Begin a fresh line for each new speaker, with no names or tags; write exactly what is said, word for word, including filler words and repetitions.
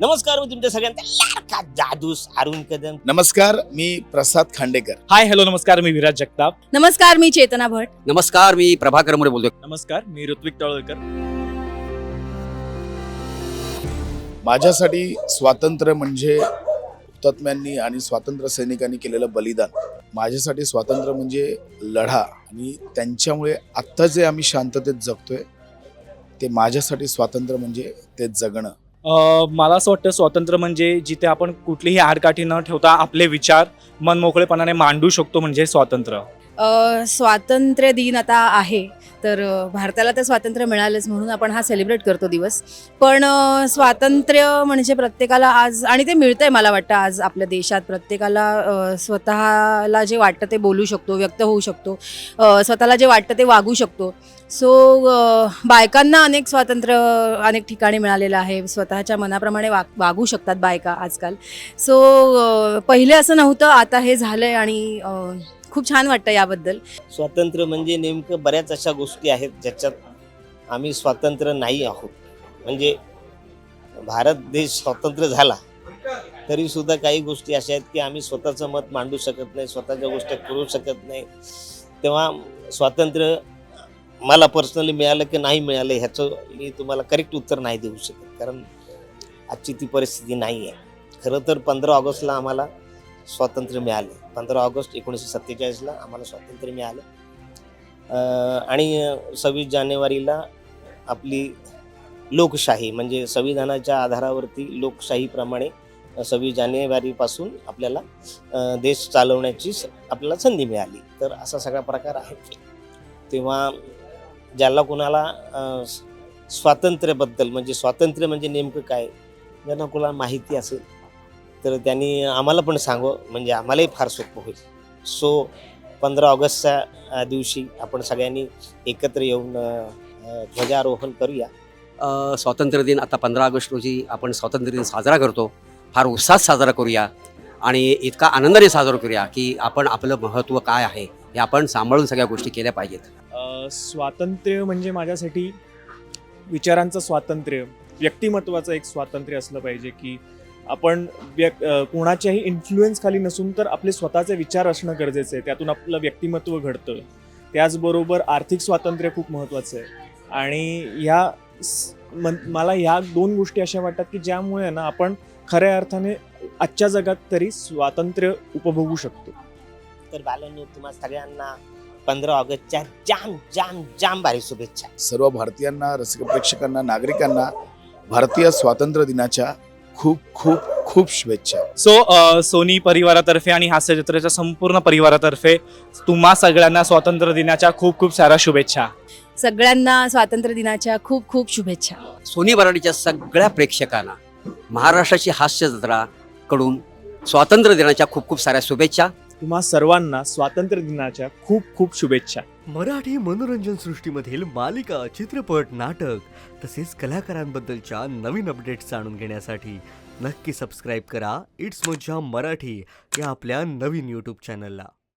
नमस्कार, मी तुमच्या सगळ्यांचा लाडका जादू अरुण कदम.
नमस्कार, मी प्रसाद खांडेकर.
हाय हॅलो नमस्कार, मी विराज जगताप.
नमस्कार, मी चेतना भट.
नमस्कार, मी प्रभाकर मोरे बोलतोय.
नमस्कार, मी ऋत्विक तळवलकर.
माझ्यासाठी स्वातंत्र्य म्हणजे हुतात्म्यांनी आणि स्वातंत्र्य सैनिकांनी केलेलं बलिदान. माझ्यासाठी स्वातंत्र्य म्हणजे लढा, आणि त्यांच्यामुळे आत्ता जे आम्ही शांततेत जगतोय ते माझ्यासाठी स्वातंत्र्य म्हणजे ते जगणं.
अ, मला असं वाटतं स्वातंत्र्य म्हणजे जिथे आपण कुठलीही आडकाठी न ठेवता आपले विचार मनमोकळेपणाने मांडू शकतो म्हणजे स्वातंत्र्य.
अ, स्वातंत्र्य दिन आता आहे, तर अ, भारताला तर स्वातंत्र्य मिळालंच म्हणून आपण हा सेलिब्रेट करतो दिवस. पण अ, स्वातंत्र्य म्हणजे प्रत्येकाला आज, आणि ते मिळतंय मला वाटतं आज आपल्या देशात, प्रत्येकाला अ, स्वतःला जे वाटतं ते बोलू शकतो, व्यक्त होऊ शकतो, अ, स्वतःला जे वाटतं ते वागू शकतो. सो बायकांना अनेक स्वातंत्र्य अनेक ठिकाणी मिळालेलं आहे. स्वतःच्या मनाप्रमाणे वाग वागू शकतात बायका आजकाल. सो पहिले असं नव्हतं, आता हे झालं आहे, आणि अ, खूप छान वाटतं याबद्दल.
स्वातंत्र्य म्हणजे नेमकं बऱ्याच अशा गोष्टी आहेत ज्याच्यात आम्ही स्वतंत्र नाही आहोत. म्हणजे भारत देश स्वतंत्र झाला तरी सुद्धा काही गोष्टी अशा आहेत की आम्ही स्वतःचं मत मांडू शकत नाही, स्वतःच्या गोष्टी करू शकत नाही. तेव्हा स्वातंत्र्य मला पर्सनली मिळालं की नाही मिळालं ह्याचं मी तुम्हाला करेक्ट उत्तर नाही देऊ शकत, कारण आजची ती परिस्थिती नाही आहे. खरं तर पंधरा ऑगस्टला आम्हाला स्वातंत्र्य मिळालं. पंधरा ऑगस्ट एकोणीसशे सत्तेचाळीसला आम्हाला स्वातंत्र्य मिळालं. आणि सव्वीस जानेवारीला आपली लोकशाही म्हणजे संविधानाच्या आधारावरती लोकशाहीप्रमाणे सव्वीस जानेवारीपासून आपल्याला देश चालवण्याची आपल्याला संधी मिळाली. तर असा सगळा प्रकार आहे. तेव्हा ज्याला कोणाला स्वातंत्र्याबद्दल म्हणजे स्वातंत्र्य म्हणजे नेमकं काय ज्यांना कोणाला माहिती असेल तर त्यांनी आम्हाला पण सांगावं, म्हणजे आम्हालाही फार सोपं होईल. सो पंधरा ऑगस्टच्या दिवशी आपण सगळ्यांनी एकत्र येऊन ध्वजारोहण करूया.
अ, स्वातंत्र्य दिन आता पंधरा ऑगस्ट रोजी आपण स्वातंत्र्य दिन साजरा करतो. फार उत्साहात साजरा करूया आणि इतका आनंदाने साजरा करूया की आपण आपलं महत्त्व काय आहे हे आपण सांभाळून सगळ्या गोष्टी केल्या पाहिजेत.
अ, स्वातंत्र्य म्हणजे माझ्यासाठी विचारांचं स्वातंत्र्य, व्यक्तिमत्वाचं एक स्वातंत्र्य असलं पाहिजे की आपण व्यक् कोणाच्याही इन्फ्लुएन्स खाली नसून तर आपले स्वतःचे विचार असणं गरजेचं आहे. त्यातून आपलं व्यक्तिमत्व घडतं. त्याचबरोबर आर्थिक स्वातंत्र्य खूप महत्त्वाचं आहे. आणि ह्या मन मला ह्या दोन गोष्टी अशा वाटतात की ज्यामुळे ना आपण खऱ्या अर्थाने आजच्या जगात तरी स्वातंत्र्य उपभोगू शकतो.
तर बालांनो, तुम्हा सगळ्यांना पंधरा ऑगस्टच्या जाम जाम जाम भारी शुभेच्छा.
सर्व भारतीयांना, रसिक प्रेक्षकांना, नागरिकांना भारतीय स्वातंत्र्य दिनाच्या खूप खूप खूप शुभेच्छा.
सो सोनी परिवारातर्फे आणि हास्यचित्राच्या संपूर्ण परिवारातर्फे तुम्हा सगळ्यांना स्वातंत्र्य दिनाच्या खूप खूप साऱ्या शुभेच्छा.
सगळ्यांना स्वातंत्र्य दिनाच्या खूप खूप शुभेच्छा.
सोनी मराठीच्या सगळ्या प्रेक्षकांना महाराष्ट्राची हास्य जत्रा कडून स्वातंत्र्य दिनाच्या खूप खूप साऱ्या शुभेच्छा.
तुम्हा सर्वांना स्वातंत्र्य दिनाच्या खूप खूप शुभेच्छा.
मराठी मनोरंजन सृष्टीमधील मालिका, चित्रपट, नाटक तसेच कलाकारांबद्दलच्या नवीन अपडेट्स जाणून घेण्यासाठी नक्की सबस्क्राईब करा इट्स मज्जा मराठी या आपल्या नवीन यूट्यूब चॅनलला.